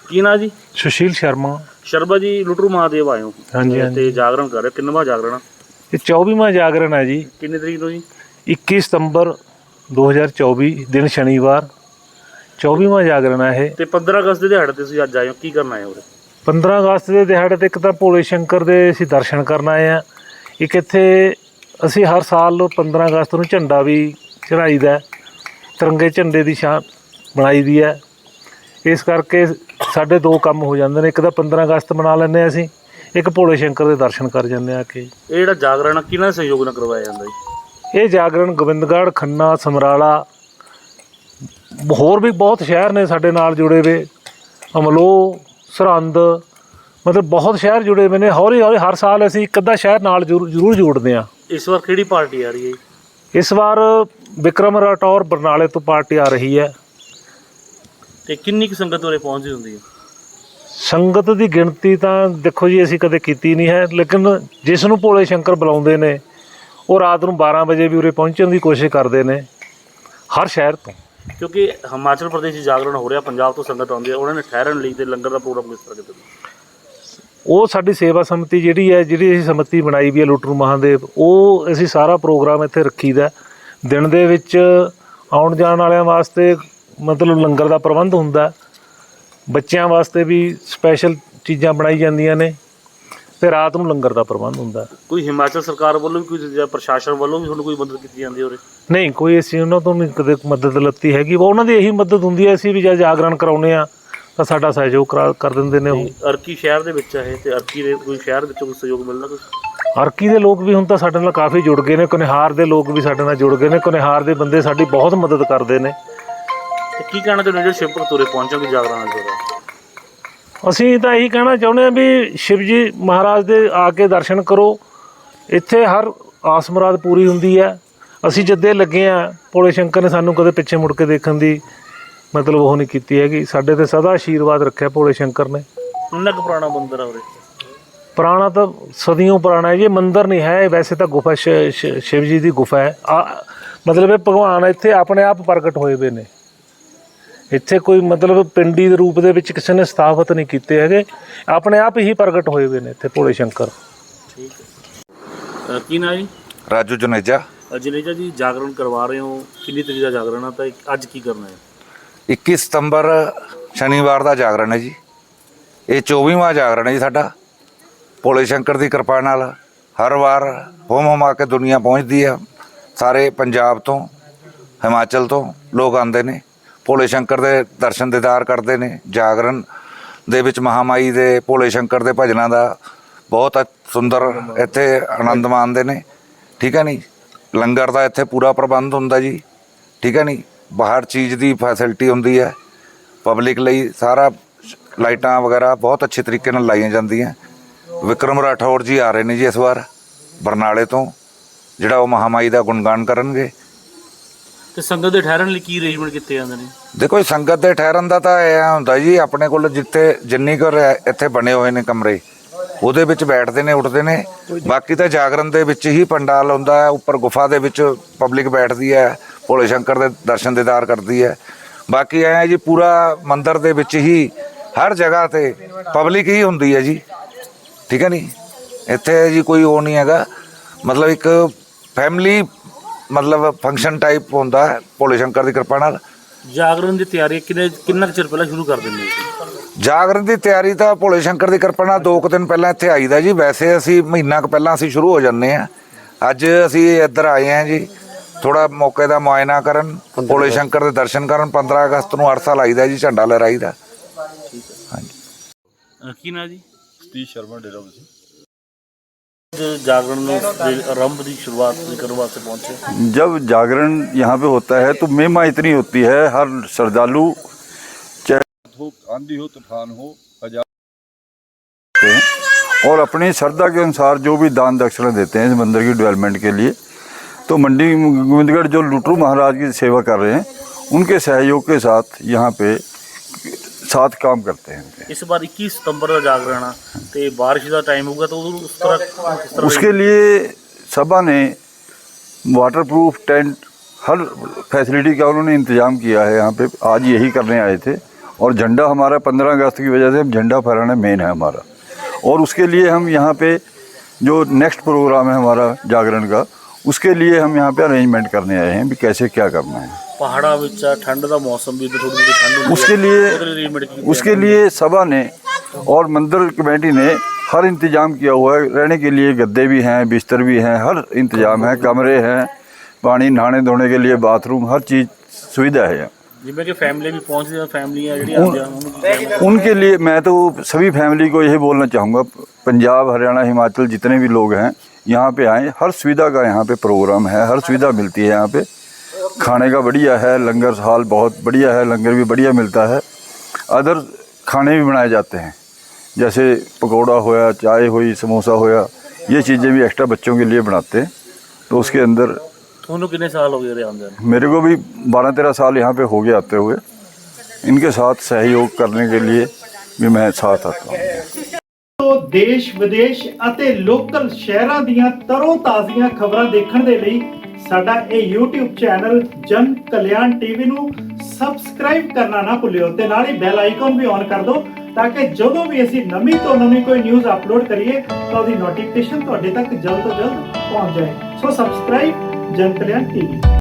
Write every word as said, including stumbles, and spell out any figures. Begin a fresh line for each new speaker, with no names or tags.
की ना जी?
सुशील शर्मा।
शर्मा जी लुटरू महादेव आए हो?
हाँ जी, हाँ जी।
जागरण कर रहे हो, किन्नवा जागरण?
ये चौबीवां जागरण है जी।
कितनी तरीक तो जी?
इक्कीस सितंबर दो हज़ार चौबी दिन शनिवार चौबीवां जागरण है।
ਤੇ पंद्रह अगस्त ਦੇ ਦਿਹਾੜੇ ਤੇ ਤੁਸੀਂ ਅੱਜ ਆਏ ਹੋ, ਕੀ ਕਰਨ ਆਏ ਹੋ?
पंद्रह अगस्त के दिहाड़े ते एक तो भोले शंकर दे असीं दर्शन करन आए हैं। एक इत्थे असीं हर साल पंद्रह अगस्त नूं झंडा भी चढ़ाईदा, तिरंगे झंडे की छां बनाई दी है। इस करके साडे दो काम हो जाते हैं, एक तो पंद्रह अगस्त मना लैंदे असीं, एक भोले शंकर के दर्शन कर जाते हैं आके।
ਇਹ ਜਿਹੜਾ ਜਾਗਰਣ ਕਿਹਨਾਂ ਸਹਿਯੋਗ ਨਾਲ ਕਰਵਾਇਆ ਜਾਂਦਾ ਜੀ?
ये जागरण गोबिंदगढ़, खन्ना, समराला, होर भी बहुत शहर ने साडे नाल जुड़े हुए, अमलोह, सरहंद, मतलब बहुत शहर जुड़े हुए ने। हौली हौली हर साल असीं एक अद्धा शहर नाल जरूर जरूर जोड़ते हैं।
इस बार किहड़ी पार्टी आ रही है?
इस बार विक्रम राठौर बरनाले तो पार्टी आ रही है।
ਤੇ ਕਿੰਨੀ ਕੁ ਸੰਗਤ ਉਰੇ ਪਹੁੰਚਦੀ ਹੁੰਦੀ ਹੈ?
संगत की गिणती तो देखो जी असीं कदे कीती नहीं है, लेकिन जिस नूं भोले शंकर बुलाउंदे ने वो रात नूं बारह बजे भी उरे पहुँचण की कोशिश करते हैं हर शहर तो।
ਕਿਉਂਕਿ ਹਿਮਾਚਲ ਪ੍ਰਦੇਸ਼ 'ਚ ਜਾਗਰਣ ਹੋ ਰਿਹਾ, ਪੰਜਾਬ ਤੋਂ ਸੰਗਤ ਆਉਂਦੀ ਹੈ, ਉਹਨਾਂ ਨੇ ਠਹਿਰਨ ਲਈ ਤੇ ਲੰਗਰ ਦਾ ਪ੍ਰੋਗਰਾਮ ਕਿਸ ਤਰ੍ਹਾਂ ਕੀਤਾ?
ਉਹ ਸਾਡੀ ਸੇਵਾ ਸਮਿਤੀ ਜਿਹੜੀ ਹੈ, ਜਿਹੜੀ ਅਸੀਂ ਸਮਿਤੀ ਬਣਾਈ ਵੀ ਹੈ ਲੁੱਟਰੂ ਮਹਾਦੇਵ, ਉਹ ਅਸੀਂ ਸਾਰਾ ਪ੍ਰੋਗਰਾਮ ਇੱਥੇ ਰੱਖੀਦਾ। ਦਿਨ ਦੇ ਵਿੱਚ ਆਉਣ ਜਾਣ ਵਾਲਿਆਂ ਵਾਸਤੇ ਮਤਲਬ ਲੰਗਰ ਦਾ ਪ੍ਰਬੰਧ ਹੁੰਦਾ, ਬੱਚਿਆਂ ਵਾਸਤੇ ਵੀ ਸਪੈਸ਼ਲ ਚੀਜ਼ਾਂ ਬਣਾਈ ਜਾਂਦੀਆਂ ਨੇ, ਤੇ ਰਾਤ ਨੂੰ ਲੰਗਰ ਦਾ ਪ੍ਰਬੰਧ ਹੁੰਦਾ।
ਕੋਈ ਹਿਮਾਚਲ ਸਰਕਾਰ ਵੱਲੋਂ ਵੀ ਕੋਈ ਜਾਂ ਪ੍ਰਸ਼ਾਸਨ ਵੱਲੋਂ ਵੀ ਤੁਹਾਨੂੰ ਕੋਈ ਮਦਦ ਕੀਤੀ ਜਾਂਦੀ ਹੈ ਉਰੇ?
ਨਹੀਂ, ਕੋਈ ਅਸੀਂ ਉਹਨਾਂ ਤੋਂ ਨਹੀਂ ਕਦੇ ਮਦਦ ਲੱਤੀ ਹੈਗੀ। ਉਹਨਾਂ ਦੀ ਇਹੀ ਮਦਦ ਹੁੰਦੀ ਹੈ, ਅਸੀਂ ਵੀ ਜਦ ਜਾਗਰਣ ਕਰਾਉਂਦੇ ਹਾਂ ਤਾਂ ਸਾਡਾ ਸਹਿਯੋਗ ਕਰਾ ਕਰ ਦਿੰਦੇ ਨੇ ਉਹ।
ਅਰਕੀ ਸ਼ਹਿਰ ਦੇ ਵਿੱਚ ਹੈ ਤੇ ਅਰਕੀ ਦੇ ਕੋਈ ਸ਼ਹਿਰ ਵਿੱਚੋਂ ਕੋਈ ਸਹਿਯੋਗ ਮਿਲਦਾ ਕੁਛ?
ਅਰਕੀ ਦੇ ਲੋਕ ਵੀ ਹੁਣ ਤਾਂ ਸਾਡੇ ਨਾਲ ਕਾਫੀ ਜੁੜ ਗਏ ਨੇ, ਕੁਨਿਹਾਰ ਦੇ ਲੋਕ ਵੀ ਸਾਡੇ ਨਾਲ ਜੁੜ ਗਏ ਨੇ। ਕੁਨਿਹਾਰ ਦੇ ਬੰਦੇ ਸਾਡੀ ਬਹੁਤ ਮਦਦ ਕਰਦੇ ਨੇ।
ਤੇ ਕੀ ਕਹਿਣਾ ਚਾਹੁੰਦੇ ਜਿਹੜੇ ਸ਼ਿਵਪੁਰ ਤੁਰੇ ਪਹੁੰਚੋਗੇ ਜਾਗਰਣ ਨਾਲ ਜੁੜੇ?
ਅਸੀਂ ਤਾਂ ਇਹੀ ਕਹਿਣਾ ਚਾਹੁੰਦੇ ਹਾਂ ਵੀ ਸ਼ਿਵ ਜੀ ਮਹਾਰਾਜ ਦੇ ਆ ਕੇ ਦਰਸ਼ਨ ਕਰੋ। ਇੱਥੇ ਹਰ ਆਸ ਮੁਰਾਦ ਪੂਰੀ ਹੁੰਦੀ ਹੈ। ਅਸੀਂ ਜੱਦੇ ਲੱਗੇ ਹਾਂ, ਭੋਲੇ ਸ਼ੰਕਰ ਨੇ ਸਾਨੂੰ ਕਦੇ ਪਿੱਛੇ ਮੁੜ ਕੇ ਦੇਖਣ ਦੀ ਮਤਲਬ ਉਹ ਨਹੀਂ ਕੀਤੀ ਹੈਗੀ। ਸਾਡੇ ਤੇ ਸਦਾ ਆਸ਼ੀਰਵਾਦ ਰੱਖਿਆ ਭੋਲੇ ਸ਼ੰਕਰ ਨੇ।
ਕਿੰਨਾ ਕੁ ਪੁਰਾਣਾ ਮੰਦਿਰ ਆ ਉਰੇ?
ਪੁਰਾਣਾ ਤਾਂ ਸਦੀਆਂ ਪੁਰਾਣਾ ਹੈ ਜੀ। ਮੰਦਿਰ ਨਹੀਂ ਹੈ, ਵੈਸੇ ਤਾਂ ਗੁਫਾ ਸ਼ਿਵ ਜੀ ਦੀ ਗੁਫਾ ਹੈ। ਆ ਮਤਲਬ ਇਹ ਭਗਵਾਨ ਇੱਥੇ ਆਪਣੇ ਆਪ ਪ੍ਰਗਟ ਹੋਏ ਵੇ ਨੇ। ਇੱਥੇ ਕੋਈ ਮਤਲਬ ਪਿੰਡੀ ਦੇ ਰੂਪ ਦੇ ਵਿੱਚ ਕਿਸੇ ਨੇ ਸਥਾਪਿਤ ਨਹੀਂ ਕੀਤੇ ਹੈਗੇ, ਆਪਣੇ ਆਪ ਹੀ ਪ੍ਰਗਟ ਹੋਏ ਹੋਏ ਨੇ ਇੱਥੇ ਭੋਲੇ ਸ਼ੰਕਰ।
ਠੀਕ ਹੈ। ਕੀ ਨਾਂ ਜੀ?
ਰਾਜੂ ਜਨੇਜਾ।
ਜਨੇਜਾ ਜੀ ਜਾਗਰਣ ਕਰਵਾ ਰਹੇ ਹੋ, ਕਿੰਨੀ ਤਰੀਕ ਦਾ ਜਾਗਰਣ ਆ ਤਾਂ ਅੱਜ ਕੀ ਕਰਨਾ ਹੈ?
ਇੱਕੀ ਸਤੰਬਰ ਸ਼ਨੀਵਾਰ ਦਾ ਜਾਗਰਣ ਹੈ ਜੀ। ਇਹ ਚੌਵੀਵਾਂ ਜਾਗਰਣ ਹੈ ਜੀ ਸਾਡਾ। ਭੋਲੇ ਸ਼ੰਕਰ ਦੀ ਕਿਰਪਾ ਨਾਲ ਹਰ ਵਾਰ ਹੋਮ ਹੋਮਾ ਕੇ ਦੁਨੀਆ ਪਹੁੰਚਦੀ ਆ। ਸਾਰੇ ਪੰਜਾਬ ਤੋਂ, ਹਿਮਾਚਲ ਤੋਂ ਲੋਕ ਆਉਂਦੇ ਨੇ, ਭੋਲੇ ਸ਼ੰਕਰ ਦੇ ਦਰਸ਼ਨ ਦੀਦਾਰ ਕਰਦੇ ਨੇ। ਜਾਗਰਣ ਦੇ ਵਿੱਚ ਮਹਾਮਾਈ ਦੇ, ਭੋਲੇ ਸ਼ੰਕਰ ਦੇ ਭਜਨਾਂ ਦਾ ਬਹੁਤ ਸੁੰਦਰ ਇੱਥੇ ਆਨੰਦ ਮਾਣਦੇ ਨੇ। ਠੀਕ ਹੈ ਨਹੀਂ? ਲੰਗਰ ਦਾ ਇੱਥੇ ਪੂਰਾ ਪ੍ਰਬੰਧ ਹੁੰਦਾ ਜੀ। ਠੀਕ ਹੈ ਨਹੀਂ? ਬਾਹਰ ਚੀਜ਼ ਦੀ ਫੈਸਿਲਿਟੀ ਹੁੰਦੀ ਹੈ ਪਬਲਿਕ ਲਈ। ਸਾਰਾ ਲਾਈਟਾਂ ਵਗੈਰਾ ਬਹੁਤ ਅੱਛੇ ਤਰੀਕੇ ਨਾਲ ਲਾਈਆਂ ਜਾਂਦੀਆਂ। ਵਿਕਰਮ ਰਾਠੌਰ ਜੀ ਆ ਰਹੇ ਨੇ ਜੀ ਇਸ ਵਾਰ ਬਰਨਾਲੇ ਤੋਂ, ਜਿਹੜਾ ਉਹ ਮਹਾਮਾਈ ਦਾ ਗੁਣਗਾਨ ਕਰਨਗੇ।
ਤੇ ਸੰਗਤ ਦੇ ਠਹਿਰਨ ਲਈ ਕੀ ਅਰੇਂਜਮੈਂਟ ਕੀਤੇ ਜਾਂਦੇ ਨੇ?
ਦੇਖੋ ਸੰਗਤ ਦੇ ਠਹਿਰਨ ਦਾ ਤਾਂ ਇਹ ਹੁੰਦਾ ਜੀ, ਆਪਣੇ ਕੋਲ ਜਿੱਥੇ ਜਿੰਨੀ ਕੁ ਇੱਥੇ ਬਣੇ ਹੋਏ ਨੇ ਕਮਰੇ, ਉਹਦੇ ਵਿੱਚ ਬੈਠਦੇ ਨੇ, ਉੱਠਦੇ ਨੇ। ਬਾਕੀ ਤਾਂ ਜਾਗਰਣ ਦੇ ਵਿੱਚ ਹੀ ਪੰਡਾਲ ਹੁੰਦਾ ਹੈ, ਉੱਪਰ ਗੁਫਾ ਦੇ ਵਿੱਚ ਪਬਲਿਕ ਬੈਠਦੀ ਹੈ, ਭੋਲੇ ਸ਼ੰਕਰ ਦੇ ਦਰਸ਼ਨ ਦੀਦਾਰ ਕਰਦੀ ਹੈ। ਬਾਕੀ ਐਂ ਜੀ ਪੂਰਾ ਮੰਦਿਰ ਦੇ ਵਿੱਚ ਹੀ ਹਰ ਜਗ੍ਹਾ 'ਤੇ ਪਬਲਿਕ ਹੀ ਹੁੰਦੀ ਹੈ ਜੀ। ਠੀਕ ਹੈ ਨਹੀਂ? ਇੱਥੇ ਜੀ ਕੋਈ ਉਹ ਨਹੀਂ ਹੈਗਾ, ਮਤਲਬ ਇੱਕ ਫੈਮਿਲੀ ਮਤਲਬ ਫੰਕਸ਼ਨ ਟਾਈਪ ਹੁੰਦਾ ਹੈ ਭੋਲੇ ਸ਼ੰਕਰ ਦੀ ਕਿਰਪਾ ਨਾਲ।
ਜਾਗਰਣ ਦੀ ਤਿਆਰੀ ਕਿੰਨੇ ਕਿੰਨਾ ਕੁ ਚਿਰ ਪਹਿਲਾਂ ਸ਼ੁਰੂ ਕਰ ਦਿੰਦੇ ਹੋ?
ਜਾਗਰਣ ਦੀ ਤਿਆਰੀ ਤਾਂ ਭੋਲੇ ਸ਼ੰਕਰ ਦੀ ਕਿਰਪਾ ਨਾਲ ਦੋ ਕੁ ਦਿਨ ਪਹਿਲਾਂ ਇੱਥੇ ਆਈਦਾ ਜੀ। ਵੈਸੇ ਅਸੀਂ ਮਹੀਨਾ ਕੁ ਪਹਿਲਾਂ ਅਸੀਂ ਸ਼ੁਰੂ ਹੋ ਜਾਂਦੇ ਹਾਂ। ਅੱਜ ਅਸੀਂ ਇੱਧਰ ਆਏ ਹਾਂ ਜੀ ਥੋੜ੍ਹਾ ਮੌਕੇ ਦਾ ਮੁਆਇਨਾ ਕਰਨ, ਭੋਲੇ ਸ਼ੰਕਰ ਦੇ ਦਰਸ਼ਨ ਕਰਨ। ਪੰਦਰਾਂ ਅਗਸਤ ਨੂੰ ਹਰ ਸਾਲ ਆਈਦਾ ਜੀ, ਝੰਡਾ ਲਹਿਰਾਈਦਾ।
ਹਾਂਜੀ। ਕੀ ਨਾਂ ਜੀ?
सतीश शर्मा डेरा बसी।
जागरण आरंभ की शुरुआत करने वास्ते पहुंचे?
जब जागरण यहाँ पे होता है तो महिमा इतनी होती है, हर श्रद्धालु चाहे हो, आंधी हो, तूफान हो, हजार और अपनी श्रद्धा के अनुसार जो भी दान दक्षिणा देते हैं इस मंदिर की डेवलपमेंट के लिए। तो मंडी गोविंदगढ़ जो लुटरू महाराज की सेवा कर रहे हैं, उनके सहयोग के साथ यहाँ पे साथ काम करते हैं।
इस बार इक्कीस सितंबर का जागरण है तो बारिश का टाइम होगा, तो उस तरह, किस तरह
उसके लिए सभा ने वाटरप्रूफ टेंट हर फैसिलिटी का उन्होंने इंतज़ाम किया है। यहाँ पे आज यही करने आए थे और झंडा हमारा पंद्रह अगस्त की वजह से झंडा फहराना मेन है हमारा। और उसके लिए हम यहाँ पे जो नेक्स्ट प्रोग्राम है हमारा जागरण का, उसके लिए हम यहाँ पे अरेंजमेंट करने आए हैं भी कैसे क्या करना है।
पहाड़ा ਵਿੱਚ ठंड का मौसम भी थोड़ी थोड़ी ठंड होती है,
उसके लिए
ਉਹਦੇ ਲਈ arrangement ਕੀਤੇ
उसके लिए सभा ने और मंदिर कमेटी ने हर इंतजाम किया हुआ है। रहने के लिए गद्दे भी हैं, बिस्तर भी हैं, हर इंतजाम है, कमरे हैं, पानी नहाने धोने के लिए बाथरूम, हर चीज़ सुविधा है यहाँ।
ਜਿਵੇਂ ਕਿ ਫੈਮਿਲੀ ਵੀ ਪਹੁੰਚਦੀਆਂ ਫੈਮਲੀਆਂ ਜਿਹੜੀਆਂ ਆਉਂਦੀਆਂ ਉਹਨੂੰ ਕੀ ਕਹਿਣਾ?
उनके लिए मैं तो सभी फैमिली को यही बोलना चाहूँगा, पंजाब हरियाणा हिमाचल जितने भी लोग हैं यहाँ पे आएँ। हर सुविधा का यहाँ पे प्रोग्राम है, हर सुविधा मिलती है यहाँ पे। खाने का बढ़िया है, लंगर हाल बहुत बढ़िया है, लंगर भी बढ़िया मिलता है। अदर खाने भी बनाए जाते हैं, जैसे पकौड़ा होया, चाय हुई, समोसा होया, ये चीज़ें भी एक्स्ट्रा बच्चों के लिए बनाते हैं। तो उसके अंदर
ਤੁਹਾਨੂੰ ਕਿੰਨੇ ਸਾਲ ਹੋ ਗਏ ਇਹਦੇ ਆਉਂਦੇ ਨੂੰ?
मेरे को भी बारह तेरह साल यहाँ पे हो गए आते हुए। इनके साथ सहयोग करने के लिए भी मैं साथ आता हूँ।
ਤੋਂ ਦੇਸ਼ ਵਿਦੇਸ਼ ਅਤੇ ਲੋਕਲ ਸ਼ਹਿਰਾਂ ਦੀਆਂ ਤਰੋ ਤਾਜ਼ੀਆਂ ਖਬਰਾਂ ਦੇਖਣ ਦੇ ਲਈ ਸਾਡਾ ਇਹ YouTube ਚੈਨਲ ਜਨ ਕਲਿਆਣ ਟੀਵੀ ਨੂੰ ਸਬਸਕ੍ਰਾਈਬ ਕਰਨਾ ਨਾ ਭੁੱਲਿਓ ਤੇ ਨਾਲ ਹੀ ਬੈਲ ਆਈਕਨ ਵੀ ਔਨ ਕਰ ਦਿਓ ਤਾਂ ਕਿ ਜਦੋਂ ਵੀ ਅਸੀਂ ਨਵੀਂ ਤੋਂ ਨਵੀਂ ਕੋਈ ਨਿਊਜ਼ ਅਪਲੋਡ ਕਰੀਏ ਤਾਂ ਉਹਦੀ ਨੋਟੀਫਿਕੇਸ਼ਨ ਤੁਹਾਡੇ ਤੱਕ ਜਲਦ ਤੋਂ ਜਲਦ ਪਹੁੰਚ ਜਾਏ। ਸੋ ਸਬਸਕ੍ਰਾਈਬ ਜਨ ਕਲਿਆਣ ਟੀਵੀ।